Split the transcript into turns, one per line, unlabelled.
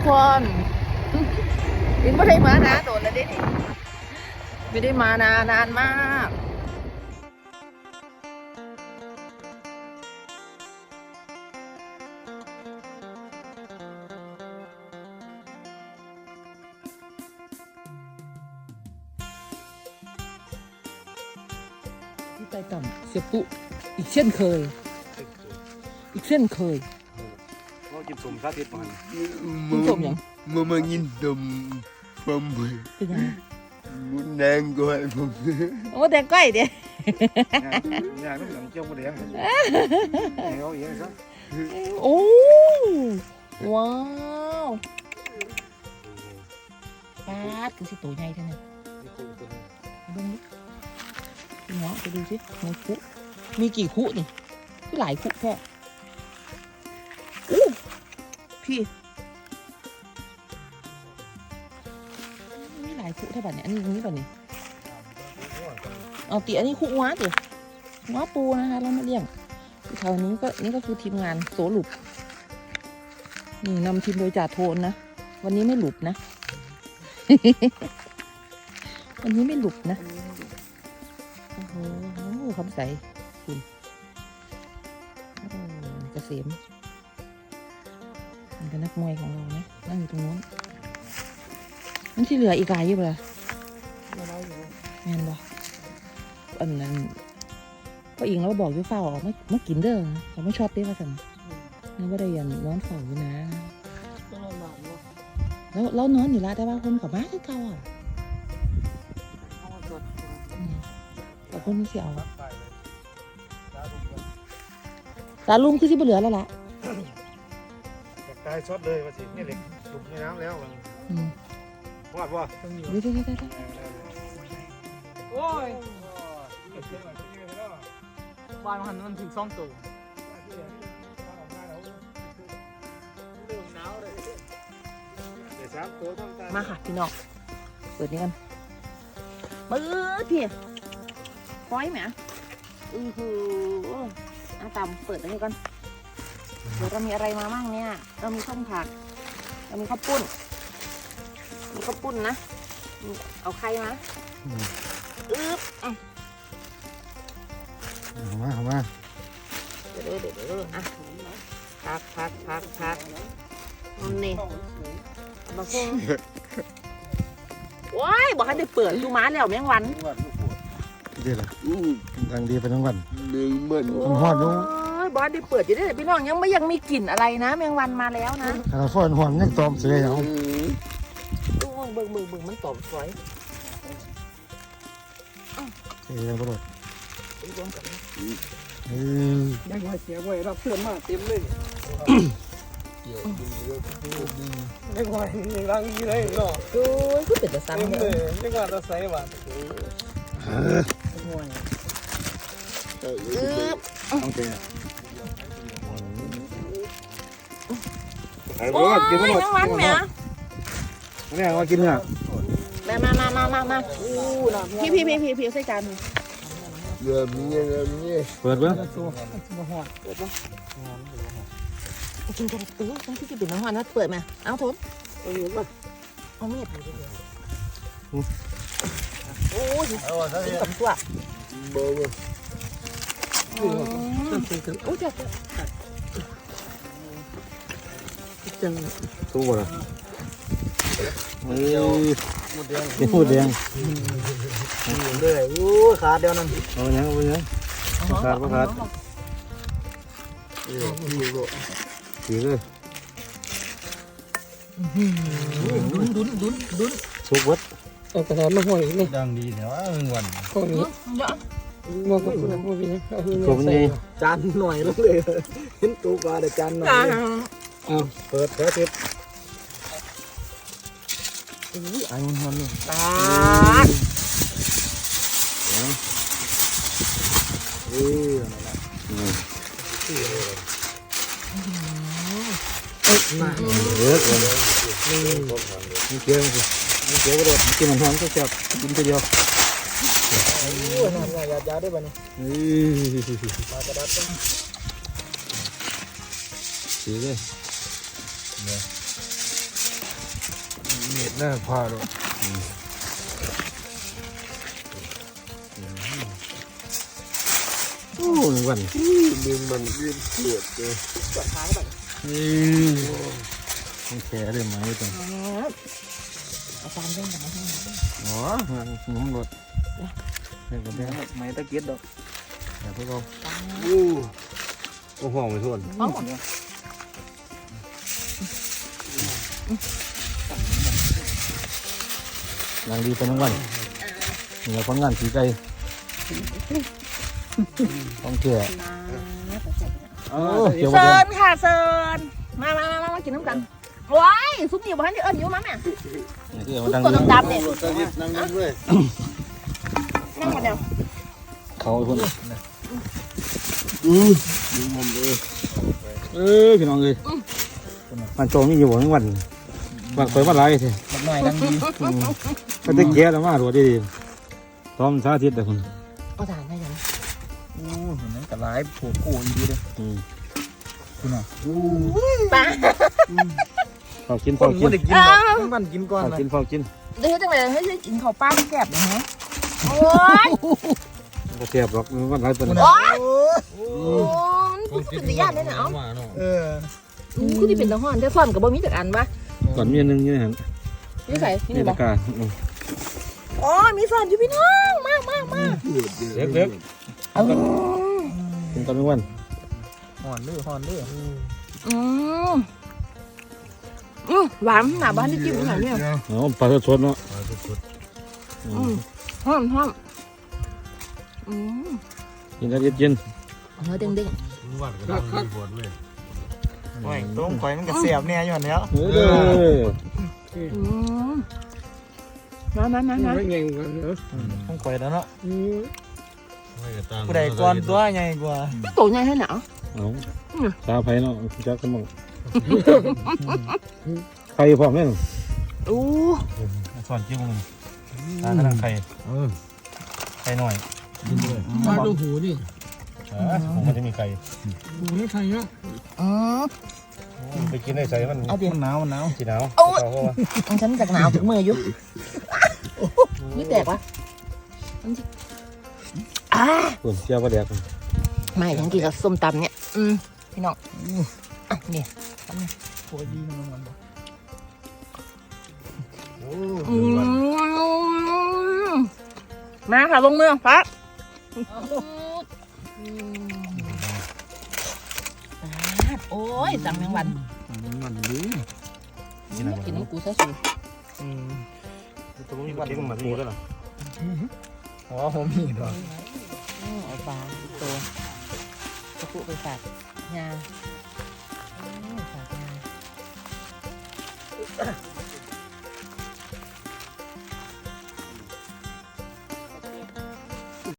คนลินไม่ได้มานะโดนแล้วดิไม่ได้มานานมากที่ไปต่ำเสียปุอีกเช่นเคย
เรากินสมชาติมัน
กินสมยัง
มากินดมผม
เป็นยัง
มุนแดงก็ให้ผม
โอ้แดงก้อยเดี๋ยว
งานต้องหลังเจ้าโมเดลเอาเองซะ
โอ้ว้าวปาดคือสิตัวใหญ่เท่านั้นเบิ่งดิพี่น้องไปดูสิในคุมีกี่คุนี่ที่หลายคุแค่อู้พี่มีหลายคุเท่าแบบนี้อันนี้แบบนี้เอาตีอันนี้คุว้าติว้าปูนะคะเรามาเลี้ยงแถวนี้ก็นี่ก็คือทีมงานโสหลุบนี่นำทีมโดยจ่าโทนนะวันนี้ไม่หลุบนะ วันนี้ไม่หลุบนะโอ้โหคำใสคุณเกษมนี่ก็นักมวยของเรานะนั่งอยู่ตรงนู้นนั่นที่เหลืออีกหลายอยู่เลยแม่นบ่อันนั้นก็อิงแล้วบอกอยู่เฝ้าออกไม่กินเด้อเขาไม่ชอบเต้ว่าสั่นนั่นก็ได้ยันนอนเฝ้าอยู่นะแล้วนอนอยู่ละแต่ว่าคนกับบ้านคือเก่าอ่ะแต่คนนี้เสียเอาตาลุมคือที่เหลือแล้วล่ะ
ตายช็อตเลยว่าสินี่เหล็กถูกในน้ำแล้ววาดว่า
เดี๋ยว
โอ้ยบ้านมันถึงซ่องตัว
มาค่ะพี่น้องเปิดนี่กันปื๊ดพี่ปล่อยไหมตามเปิดอันนี้ก่อนเดี๋ยวเรามีอะไรมามั่งเนี่ยเรามีส้มผักเรามีข้าวปุ้นนะเอาไข่มา
เอามา
เดี๋ยวอ่ะพักนี่มาพุ่งว้ายบอกให้ได้เปิดดูม้าแล้วแมงวัน
เดี๋ยวละทางดีไปทั้งวัน
หนึ่งเหมือน
หอดนู้
บอสได้เปิดอยู่ได้พี่น้องยังมีกลิ่นอะไรนะแมงวันมาแล้วนะ
ถ้าฝนหอนยังตอมเสียเอา
เบิ่งมันตอบสวย
ยังกระโดด
ยังไงเสียไว้รับเพื่อนมาเต็มเลยยังไงยังรังยี่เลยเนาะ
ดูก็เป็นแต่ซ้ำ
เลยยังว่าเราใส่หวาน
โอเค
โอ้ยแมงวันเนี่ย
นี่มากินเนี่ย
มาพี่ใส่จาน
เริ่มนี่
เปิดเบ้าง
กินกระตุ้งต้องที่จะเป็นน้ำมันนะเปิดมาเอาทนเอาเมียดโอ้ยกินกับตัวโอ้ยจัง
ตู้บ่ล่ะหมดแดง
เลยโอ้ขาเดียวนั่น
เอาอย่างขาดถือเลย
ดุน
สุกวัด
เอากระดาษมาห่อยนี่
ดังดีแต่ว่าวัน
ก็นี้มาก็คุณพ่อพี่
ผมนี่
จานหน่อยแล้วเลยเห็นตัวปลาแต่จานหน่อย
เปิดแค่ทิศไอ้มันนี่
ตา
มาเยอะเลยนี่เกี่ยวกระโดดกินมันหอมก็เจ็บกินไปเดียว
นั่นไงยาได้ป่ะนี่ปลากระดับ
สีเลย
น่าพาเลยโอ้หนึ่งวัน
นี่มันเรียนเกิดเลย
ปวดขาแบบ
ต้องแฉเลยไหมจัง
อาจารย์เล่นกับมันให้
อ๋อน้ำรถเล่นกับแม่ไม่ตะเกียบดอกแต่พวกเรา
โอ้ห้องไม่ทน
ป้อง
นางดีเป็นทั้งวันเหนือคนงานสีไก่ต้องเชื่อโอ้เกี่ยวกับ
เซิร์นค่ะเซิร์นมากินน้ำกันว้ายซุปหนีบ้านที่เอิญอยู่มั้งเนี่ย
เกี่ยวกับดัง
ตัวดำๆเนี่ย
นั่งนั่งด้วย
นั่งมาเดียว
เขาคน
ดูมันเลย
พี่น้องเลยมันโจมีอยู่ทั้งวันวันคอยวันไรเถอะ
มันหน่อยดังดี
ก็ตะเกียบแล้วมาดูดีๆต้อมสาธิตแต่คน
เอาจานให้ยัง
โอ้เห็นไหมกระไรผูกคู่ดีเลยคุณอ่ะ
ป้า
พอกินพ
ค
อน กิน
ไม่ได้กินหรอกมันกินก่อน
พอ
นะ
กินพอกิน
เดี๋ยวจังเลยให้กินข้าวป้าแซ่บนะฮะโอ้ย
ก็เสียบหรอกวันไรเป็น
โอ้ยโอ้ยมันเป็นญาติเนี่ยนะเอ้า
เออ
คือที่เป็นตะห้อนได้ซ่อนกับบะหมี่จากอันปะ
ก่อนมีนึงนี่ฮะ
นี่ใส่นี่
นี่
บ
ตะ
อก
กา
อ๋อมีซ่อนอยู่พี่น้องมาก
เล็กเล็ก
เออ
กินตอนกลางวัน
ห่อนดื้อห่อนดื้อ
หวานหนาบ้านที่จิ้มหน่อยเนี่ย
อ๋อปลาสดเนาะ
ห้อม
กินแล้วเย็น
เนื้อเด้ง
โอ้ยต้มข่อยมันก็เสียบเนี่ยอยู่แล้ว
ๆ
มา
ไม่เงี้ยกันเนอะ
ต้มข่อยแล้วเนาะผู้ใดก่อนตัวใหญ่กว่า
ตัวใหญ่ให้หนาว
เอาชาไผ่เนาะจักสมองไข่พร้อมแม่น
อู้
สอนจิ้มมึงตากระดังไข่ไข่หน่อย
มาดูหูดิ
ผมมันจะมีไข่
หูนี่ใครเนาะ
ไปกินได้ใส่มัน
เอาเดี๋ยว
มันหนาวมันหนาว
สีหนาว
ฉันจากหนาวถึงมืออยู่นี่แตกปะ
ส่วนเจียวปลาแดก
ไม่ทั้งกี่กับส้มตำเนี่ยพี่น้องอ่ะเนี่ย
โคตรดีมันมัน
มาค่ะลงมือพักโอ้ยสั่งแมงวัน
มันดี
กินน้ำกูซะสู
ตัวนี้เล็กมันมีก็หรอ
อ๋อผมมีด้วย
เอาปลาตัวตะกุไปฝากงาฝากงา